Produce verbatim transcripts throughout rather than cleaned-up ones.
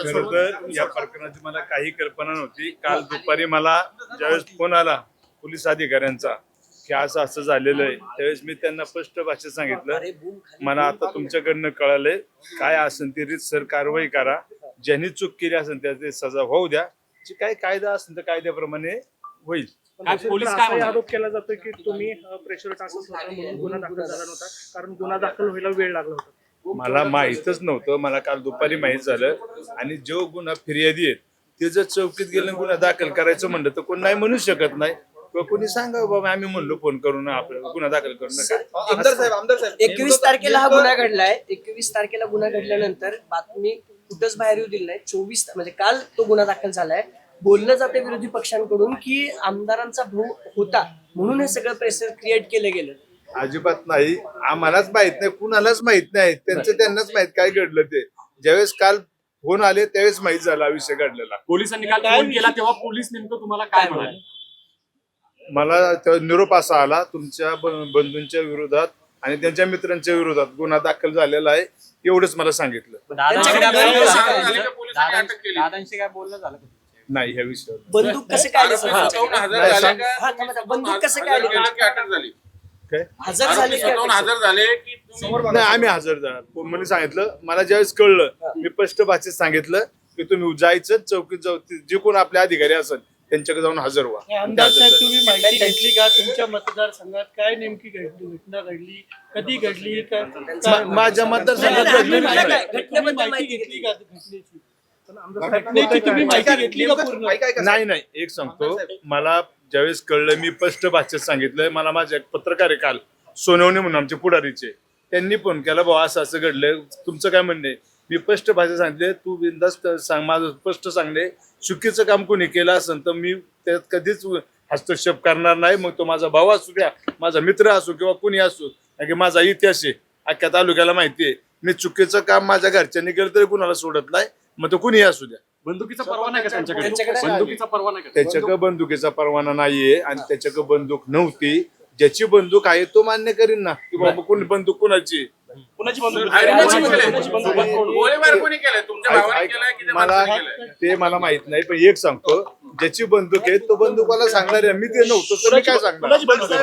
खरं तर या प्रकरणाची मला काही कल्पना नव्हती. काल दुपारी मला ज्यावेळेस फोन आला पोलीस अधिकाऱ्यांचा की असं असं झालेलं आहे, त्यावेळेस मी त्यांना स्पष्ट भाषेत सांगितलं, मला आता तुमच्याकडनं कळालंय, काय असेल ती रीतसर कारवाई करा, ज्यांनी चूक केली असेल त्याची सजा होऊ द्या, जी काही कायदा असेल तर कायद्याप्रमाणे होईल. पोलीस काय आरोप केला जातो की तुम्ही प्रेशर टाकत होता म्हणून गुन्हा दाखल झाला नव्हता, कारण गुन्हा दाखल व्हायला वेळ लागला होता. मला माहीतच नव्हतं. मला काल दुपारी माहीत झालं. आणि जो गुन्हा फिर्यादी आहेत ते जर चौकीत गेलं गुन्हा दाखल करायचं म्हणलं तर कोण नाही म्हणू शकत नाही, किंवा कोणी सांगा बाबा आम्ही म्हणलो फोन करून आपल्याला गुन्हा दाखल करू नका. आमदार साहेब आमदार साहेब एकवीस तारखेला हा गुन्हा घडलाय. एकवीस तारखेला गुन्हा घडल्यानंतर बातमी कुठंच बाहेर येऊ दिली नाही. चोवीस म्हणजे काल तो गुन्हा दाखल झालाय. बोललं जाते विरोधी पक्षांकडून की आमदारांचा भाऊ होता म्हणून हे सगळं प्रेशर क्रिएट केलं गेलं. अजिबात नाही. आम्हालाच माहित नाही, कुणालाच माहित नाही. त्यांचं त्यांनाच माहित काय घडलं ते. ज्यावेळेस काल फोन आले त्यावेळेस माहित झाला विषय घडलेला. पोलिसांनी काल फोन केला तेव्हा पोलीस नेमकं तुम्हाला काय म्हणाले? मला तेव्हा निरोप असा आला, तुमच्या बंधूंच्या विरोधात आणि त्यांच्या मित्रांच्या विरोधात गुन्हा दाखल झालेला आहे, एवढंच मला सांगितलं. दादांशी काय बोलणं झालं नाही ह्या विषयावर. बंदूक कसं काय आली? बंदूक कसं काय आली? काय हजर झाले का? हजर झाले की नाही, आम्ही हजर झालो. मला सांगितलं, मला ज्यावेळेस कळलं मी स्पष्ट भाषेत सांगितलं की तुम्ही जायचं चौकीत जाऊ, जे कोण आपले अधिकारी असेल त्यांच्याकडे जाऊन हजर व्हा. आमदार साहेब तुम्ही माहिती घेतली का तुमच्या मतदारसंघात काय नेमकी घडली घटना घडली कधी घडली का? माझ्या मतदारसंघात घडली नाही. घटनेबद्दल माहिती घेतली का घटनेची? घटनेची तुम्ही माहिती घेतली का पूर्ण? नाही नाही एक सांगतो, मला ज्यावेळेस कळलं मी स्पष्ट भाषेत सांगितलंय. मला माझे एक पत्रकार आहे काल सोनवणे म्हणून आमचे पुढारीचे, त्यांनी फोन केला, भाऊ असं असं घडलंय, तुमचं काय म्हणणं आहे? मी स्पष्ट भाषेत सांगितले, तू बिनधास्त सांग, माझं स्पष्ट सांगणे, चुकीचं काम कोणी केलं असेल तर मी त्यात कधीच हस्तक्षेप करणार नाही. मग तो माझा भाऊ असू द्या, माझा मित्र असो किंवा कोणी असो, कारण की माझा इतिहास आहे अख्ख्या तालुक्याला माहिती आहे. मी चुकीचं काम माझ्या घरच्यांनी केलं तरी कुणाला सोडत नाही, मग तो कुणी असू द्या. बंदुकीचा परवाना आहे का त्यांच्याकडे? बंदुकीचा परवाना आहे का? त्याच्याकडे बंदुकीचा परवाना नाहीये आणि त्याच्याकडे बंदूक नव्हती. ज्याची बंदूक आहे तो मान्य करीन ना की बाबा कोणी बंदूक कुणाची. कुणाची बंदूक? गोळीबार कोणी केलाय? तुमच्या भावाने केलाय की त्या मला माणसाने केलाय? ते मला माहित नाही, पण एक सांगतो, ज्याची बंदूक आहे तो बंदूकवाला सांगणार आहे. मी ते नव्हतो तर मी काय सांगणार?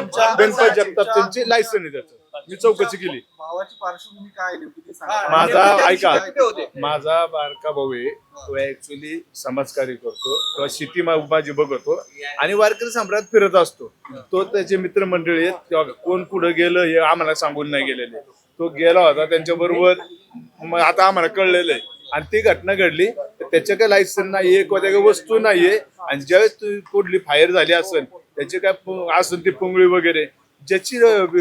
गणपत जगताप त्यांची लायसन आहे त्याचं, मी चौकशी केली. भावाची पार्श्वभूमी काय नेमकी ती सांगा. माझा ऐका, कुठे होते? माझा बारका भाऊ आहे, तो ऍक्च्युली समाजकार्य करतो किंवा शेती मा- माझी बघतो आणि वारकरी सम्राट फिरत असतो. तो त्याचे मित्रमंडळी आहेत किंवा कोण पुढे गेलं हे आम्हाला सांगून नाही गेलेले. तो गेला होता त्यांच्या बरोबर, मग आता आम्हाला कळलेलं आहे. आणि ती घटना घडली, त्याच्या काय लायसन नाहीये किंवा त्या काही वस्तू नाहीये. आणि ज्यावेळेस कुठली फायर झाली असेल त्याची काय असेल ती पुंगळी वगैरे, ज्याची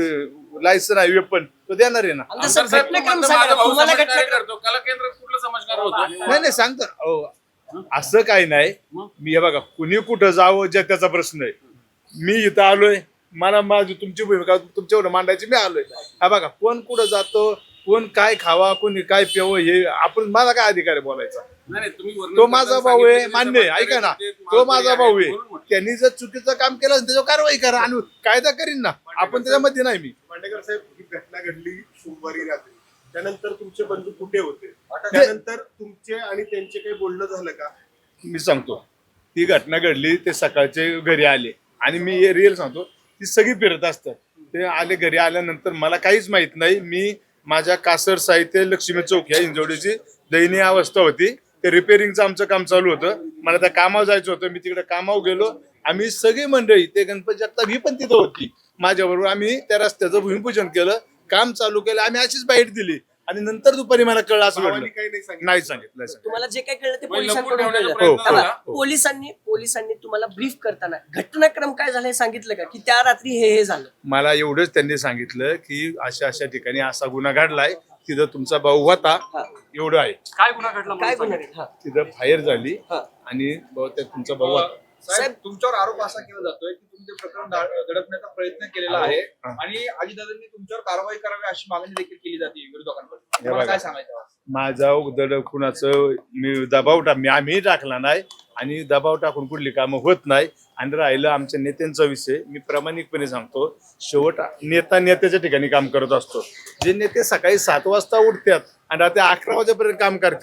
लायसन आहे वेपन तो देणार आहे ना. आमदार साहेब, साहेब, घटनाक्रम माझा सांगा. भाऊ तुम्हाला समाजकार्य घटनाक्रम करतो. कला केंद्र कुठलं समाजकार्य होतं? नाही नाही सांगतो अहो, असं काही नाही. मी हे बघा, कुणी कुठं जावं जे त्याचा प्रश्न आहे. मी इथं आलोय, मला माझी तुमची भूमिका तुमच्यावर मांडायची, मी आलोय. हा बघा, कोण कुठं जातो, कोण काय खावा, कोणी काय प्यावं, हे आपण, माझा काय अधिकार आहे बोलायचा? नाही, नाही, तुम्ही वर्णन तो माझा भाऊ आहे, सांगितलं, मान्य आहे, ऐका ना, ते तो माझा भाऊ आहे. म्हणून म्हटलं. त्यांनी जर चुकीचं काम केलं असेल त्याच्यावर कारवाई करा आणि कायदा करीन ना. आपण त्याच्यामध्ये नाही. मी मांडेकर साहेब, ही घटना घडली सोमवारी रात्री, त्यानंतर तुमचे बंधू कुठे होते? त्यानंतर तुमचे आणि त्यांचे काही बोलणं झालं का? मी सांगतो, ती घटना घडली, ते सकाळचे घरी आले आणि मी हे रिअल सांगतो, ती सगळी फिरत असतात. ते आले, घरी आल्यानंतर मला काहीच माहित नाही. मी माझ्या कासर साहित्य लक्ष्मी चौक या इंजवडीची दयनीय अवस्था होती, ते रिपेअरिंगचं आमचं काम चालू होतं. मला त्या कामावर जायचं होतं, मी तिकडे कामावर गेलो. आम्ही सगळी मंडळी, ते गणपती जगताप ही पण तिथं होती माझ्याबरोबर. आम्ही त्या रस्त्याचं भूमिपूजन केलं, काम चालू केलं, आम्ही अशीच बाईट दिली. आणि नंतर दुपारी मला कळलं असं घडलं. भावानी काही नाही सांगितलं? नाही सांगितलं. तुम्हाला जे काय कळलं ते पण लपून पोलिसांकडून ठेवण्याचा कळलं. प्रयत्न थांबा. झाला. पोलिसांनी पोलिसांनी तुम्हाला ब्रीफ करताना घटनाक्रम काय झालं हे सांगितलं का की त्या रात्री हे हे झालं? मला एवढंच त्यांनी सांगितलं की अशा अशा ठिकाणी असा गुन्हा घडलाय, तिथं तुमचा भाऊ होता, एवढं आहे. काय गुन्हा घडला? काय मला गुन्हा? सांगा. हा. तिथं फायर झाली हा. आणि बहुतेक तुमचा भाऊ होता. साहेब, तुमच्यावर आरोप असा केला जातोय की तुम्ही ते प्रकरण दा- दडपण्याचा प्रयत्न केलेला आहे हा. आणि अजितदादांनी तुमच्यावर कारवाई करावी अशी मागणी देखील केली जाते विरोधकांकडून. हे तुम्हाला बघा. काय सांगायचं? माझा उदड कुणाचं मी दबाव टाक मी आम्ही टाकला नाही आणि दबाव टाकून कुठली कामं होत नाही. आणि राहिलं आमच्या नेत्यांचा विषय, मी प्रामाणिकपणे सांगतो, शेवट नेता नेत्याच्या ठिकाणी काम करत असतो. जे नेते सकाळी सात वाजता उठतात आणि रात्री अकरा वाजेपर्यंत काम करतात,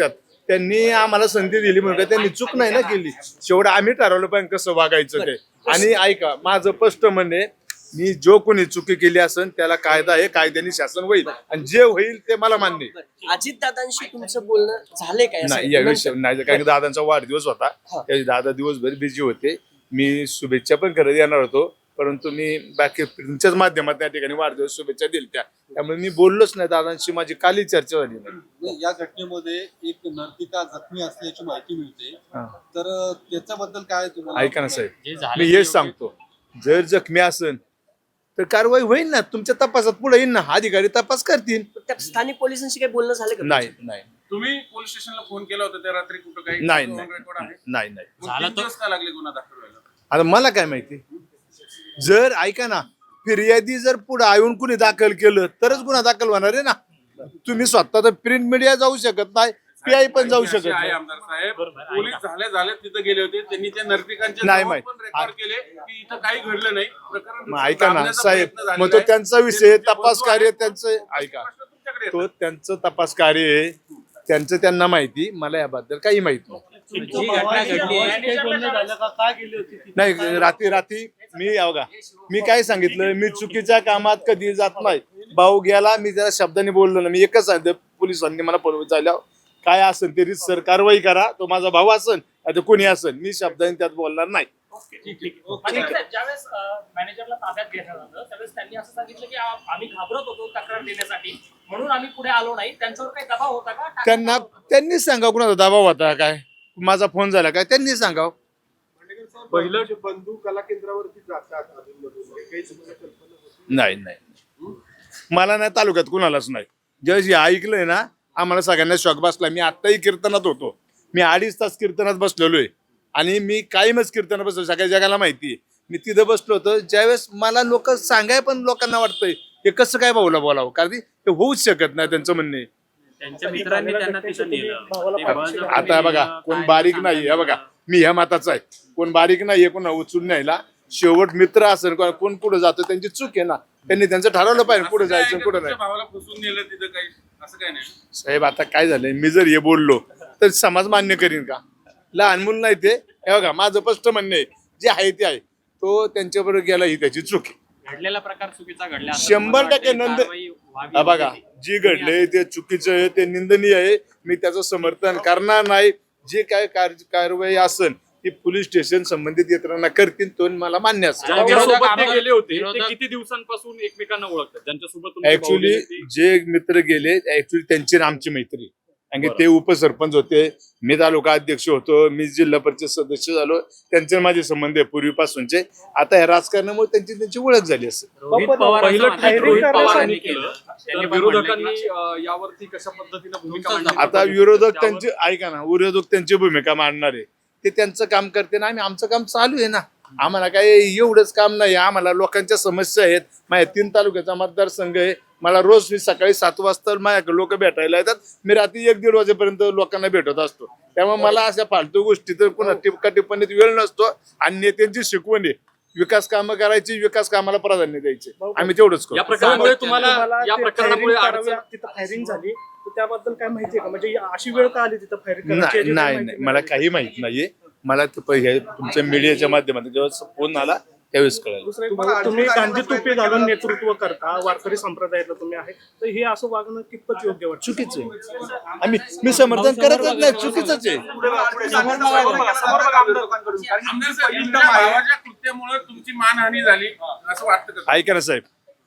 त्यांनी आम्हाला संधी दिली म्हणून काय त्यांनी चूक नाही ना केली. शेवट आम्ही ठरवलं पाहिजे कसं वागायचं ते. आणि ऐका, माझं स्पष्ट म्हणणे, मी जो कोणी चुकी केली असेल त्याला कायदा आहे, कायद्याने शासन होईल आणि जे होईल ते मला मान्य आहे. अजित दादांशी तुमचं बोलणं झालंय काय नाही या विषय नाही, कारण की दादांचा वाढदिवस होता, हा. त्या दादा दिवसभर बिझी होते. मी शुभेच्छा पण करत येणार होतो, परंतु मी बाकी तुमच्याच माध्यमात त्या ठिकाणी वाढदिवस शुभेच्छा दिल्या, त्यामुळे मी बोललोच नाही दादांशी. माझी काली चर्चा झाली नाही. या घटनेमध्ये एक नर्तिका जखमी असल्याची माहिती मिळते, हा. तर त्याच्याबद्दल काय तुम्हाला? ऐका ना साहेब, मी हेच सांगतो, जर जखमी असेल तर कारवाई होईल ना, तुमच्या तपासात पुढे येईल ना, अधिकारी तपास करतील. त्या स्थानिक पोलिसांशी काही बोलणं झालं का नाही नाही तुम्ही पोलीस स्टेशनला फोन केला होता त्या रात्री, कुठं काही नाही फोन नाही रेकॉर्ड आहे? नाही नाही मग तीन दिवस का लागले गुन्हा दाखल व्हायला? आता मला काय माहिती, जर ऐका ना, फिर्यादी जर पुढे येऊन कुणी दाखल केलं तरच गुन्हा दाखल होणार आहे ना. तुम्ही स्वतः तर प्रिंट मीडिया जाऊ शकत नाही, पीआय पण जाऊ शकत अशी आहे नाही. आमदार साहेब, पोलीस झाले झाले तिथे गेले होते, त्यांनी त्या नर्तिकांचे नाही नाव माहित. पण रेकॉर्ड केले की इथं काही घडलं नाही. प्रकरण मग ऐका ना दाबण्याचा साहेब, प्रयत्न झालेला मग तो आहे. त्यांचा ते विषय तुमचे तपास बंधू कार्य आहेत, त्यांचं ऐका, प्रश्न तुमच्याकडे येतात. तो त्यांचं तपास कार्य आहे, त्यांचं त्यांना माहिती, मला याबद्दल काही माहित नाही. तुमच्या भावाशी भावाशी काही बोलणं झालं का? का गेली होती ती? नाही रात्री रात्री मी बघा, मी काय सांगितलं, मी चुकीच्या कामात कधी जात नाही. भाऊ गेला, मी त्याला शब्दाने बोललो ना, मी एकच सांगितलं, पोलिसांनी मला फोन झाल्यावर काय असेल ते सर कारवाई करा, तो माझा भाऊ असेल आता कोणी असेल, मी शब्दाने त्यात बोलणार नाही. आणि साहेब, ज्यावेळेस मॅनेजरला ताब्यात घेण्यात आलं त्यावेळेस त्यांनी असं सांगितलं की आ- आम्ही घाबरत होतो तक्रार देण्यासाठी, म्हणून आम्ही पुढे आलो नाही. त्यांच्यावर काही दबाव होता का? त्यांना त्यांनीच सांगावं कुणाचा दबाव होता काय, माझा फोन झाला काय, त्यांनी सांगावं. पहिलं जे बंधू कला केंद्रावरती जातात अधूनमधून, हे काही तुम्हाला कल्पना होती? नाही नाही मला नाही, तालुक्यात कुणालाच नाही. ज्यावेळेस हे ऐकलंय ना, आम्हाला सगळ्यांना शॉक बसला. मी आत्ताही कीर्तनात होतो, मी अडीच तास कीर्तनात बसलेलोय आणि मी कायमच कीर्तनात बसलो, सगळ्या जगाला माहिती आहे. मी तिथं बसलो होतो, ज्यावेळेस मला लोक सांगाय पण लोकांना वाटतंय हे कसं काय भाऊला बोलावं, कारण की ते होऊच शकत नाही त्यांचं म्हणणे. त्यांच्या मित्रांनी त्यांना तिथं नेलं. भावाला ते पाठीशी बळजबरी आता बघा, नेलं, कोण काय बारीक सांगता नाही, हे बघा मी ह्या मताचा आहे, कोण बारीक नाहीये कोण उचलून न्यायला. शेवट मित्र असेल कोण पुढे जातो त्यांची चूक आहे ना, त्यांनी त्यांचं ठरवलं पाहिजे पुढे असं काय जायचं आहे पुढे का नाही. तुमच्या भावाला फसवून नेलं तिथं काही? असं काय नाही. साहेब आता काय झालंय, मी जर हे बोललो तर समाज मान्य करीन का? लहान मुलं नाही ते. हे बघा माझं स्पष्ट म्हणणे जे आहे ते आहे, तो त्यांच्याबरोबर गेला ही त्याची चूक आहे. घडलेला प्रकार चुकीचा घडला असं शंभर मला टक्के वाटतं नंद कारवाई व्हावी हा बघा, होती. जी घडले ते चुकीचं आहे, ते निंदनीय आहे, मी त्याचं समर्थन करणार नाही. जे काय कार- कारवाई असेल ती पोलीस स्टेशन संबंधित यंत्रणा करतील, तो मला मान्य असेल. ज्या विरोधक ते गेले होते ते विरोधक- किती दिवसांपासून एकमेकांना ओळखतात, ज्यांच्यासोबत तुमची ऍक्च्युली भावली होती? जे मित्र गेले ऍक्च्युली त्यांची आणि आमची मैत्री, कारण की ते उपसरपंच होते, मी तालुका अध्यक्ष होतो, मी जिल्हा परिषद सदस्य झालो, त्यांचे माझे संबंध आहे पूर्वीपासूनचे. आता ह्या राजकारणामुळे त्यांची त्यांची ओळख झाली असेल. रोहित पवार असं पहिलं म्हणतात, ट्विट रोहित पवारांनी केलं. केलं, त्यांनी तर पण म्हणलं विरोधकांनी की- अं, यावरती कशा पद्धतीने भूमिका तुमचंच मांडली? आता विरोधक त्यांची ऐका ना, विरोधक त्यांची भूमिका मांडणार आहे, ते त्यांचं काम करते ना, आम्ही आमचं काम चालू आहे ना. आम्हाला काय एवढंच काम नाही, आम्हाला लोकांच्या समस्या आहेत. माझ्या तीन तालुक्याचा मतदारसंघ आहे, मला रोज मी सकाळी सात वाजता माझ्याकडे लोक भेटायला येतात, मी रात्री एक दीड वाजेपर्यंत लोकांना भेटत असतो. त्यामुळे मला अशा फालतू गोष्टी तर पुन्हा टिपका टिप्पणीत वेळ नसतो. आणि नेत्यांची शिकवण आहे, विकास कामं करायची, विकास कामाला प्राधान्य द्यायचे, आम्ही तेवढंच या करतो. प्रकरणामुळे तुम्हाला तुम्हाला या ते प्रकरणामुळे firing अडचण करावी, तिथं फायरिंग झाली तर त्याबद्दल काय माहितीये का? म्हणजे अशी वेळ का आली तिथं फायरिंग नाही नाही नाही, मला काही माहित नाहीये. मला ते पहिले तुमच्या मीडियाच्या माध्यमातून जेव्हा फोन आला त्यावेळेस कळालं. दुसरं तुम्ही गांधी टोपी घालून नेतृत्व करता, वारकरी संप्रदायातलं तुम्ही आहे, तर हे असं वागणं कितपत योग्य वाटतं? चुकीचं आहे. आम्ही मी समर्थन करतच नाही, चुकीचंच आहे. पुढे बघा, पुढे समोर बघा, समोर बघा, समोर बघा विरोधकांकडून. कारण की आमदार तुमचं साहेब, परिणाम तुमच्या आहे. भावाच्या कृत्यामुळे तुमची मानहानी झाली असं वाटतं का? ऐका ना साहेब,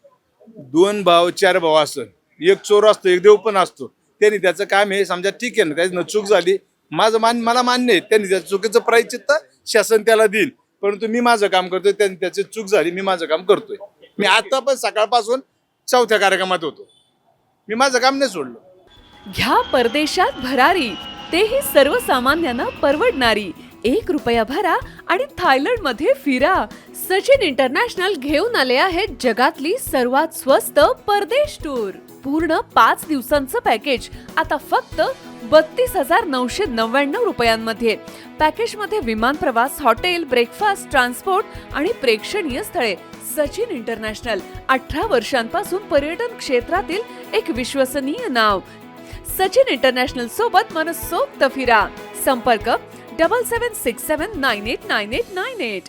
दोन भाव चार भाव असतं, एक चोर असतो एक देव पण असतो. त्यांनी त्याचं काम आहे, समजा ठीक आहे ना, त्याची चूक झाली, माझं मान मला मान्य आहे, त्यांनी त्या चुकीचं प्रायश्चित्त शासन त्याला देईल. परंतु मी माझं काम करतोय, त्यांनी त्याची चूक झाली, मी माझं काम करतोय. मी आता पण सकाळपासून चौथ्या कार्यक्रमात होतो, मी माझं काम नाही सोडलं. घ्या परदेशात भरारी, तेही सर्वसामान्यांना परवडणारी. एक रुपया भरा आणि थायलंड मध्ये फिरा. सचिन इंटरनॅशनल घेऊन आले आहेत जगातली सर्वात स्वस्त परदेश टूर. पूर्ण पाच दिवसांचं पॅकेज आता फक्त बत्तीस हजार नऊशे नव्याण्णव रुपयांमध्ये. पॅकेजमध्ये विमान प्रवास, हॉटेल, ब्रेकफास्ट, ट्रान्सपोर्ट आणि प्रेक्षणीय स्थळे. सचिन इंटरनॅशनल, अठरा वर्षांपासून पर्यटन क्षेत्रातील एक विश्वसनीय नाव. सचिन इंटरनॅशनल सोबत मनसोक्त फिरा. संपर्क double seven six seven nine eight nine eight nine eight.